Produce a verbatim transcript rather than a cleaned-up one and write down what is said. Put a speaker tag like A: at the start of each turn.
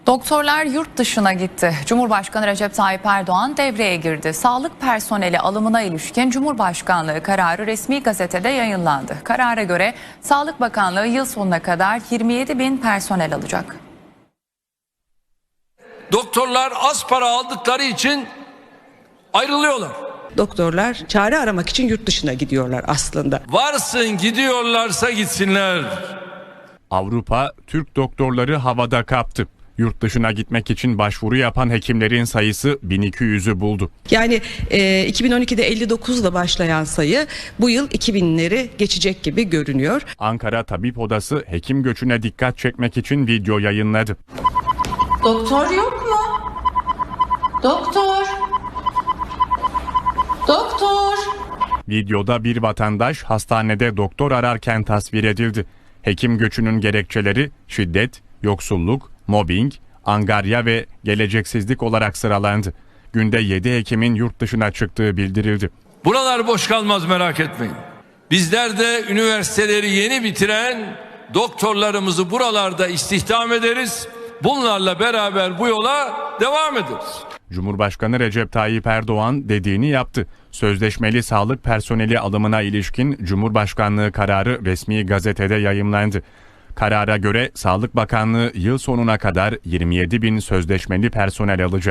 A: Doktorlar yurt dışına gitti. Cumhurbaşkanı Recep Tayyip Erdoğan devreye girdi. Sağlık personeli alımına ilişkin Cumhurbaşkanlığı kararı resmi gazetede yayınlandı. Karara göre Sağlık Bakanlığı yıl sonuna kadar yirmi yedi bin personel alacak.
B: Doktorlar az para aldıkları için ayrılıyorlar.
C: Doktorlar çare aramak için yurt dışına gidiyorlar aslında.
B: Varsın gidiyorlarsa gitsinler.
D: Avrupa, Türk doktorları havada kaptı. Yurt dışına gitmek için başvuru yapan hekimlerin sayısı bin iki yüzü buldu.
C: Yani e, iki bin on ikide elli dokuzla başlayan sayı bu yıl iki binleri geçecek gibi görünüyor.
D: Ankara Tabip Odası hekim göçüne dikkat çekmek için video yayınladı.
E: Doktor yok mu? Doktor. Doktor.
D: Videoda bir vatandaş hastanede doktor ararken tasvir edildi. Hekim göçünün gerekçeleri şiddet, yoksulluk, mobbing, angarya ve geleceksizlik olarak sıralandı. Günde yedi hekimin yurt dışına çıktığı bildirildi.
B: Buralar boş kalmaz, merak etmeyin. Bizler de üniversiteleri yeni bitiren doktorlarımızı buralarda istihdam ederiz. Bunlarla beraber bu yola devam ederiz.
D: Cumhurbaşkanı Recep Tayyip Erdoğan dediğini yaptı. Sözleşmeli sağlık personeli alımına ilişkin Cumhurbaşkanlığı kararı resmi gazetede yayımlandı. Karara göre Sağlık Bakanlığı yıl sonuna kadar yirmi yedi bin sözleşmeli personel alacak.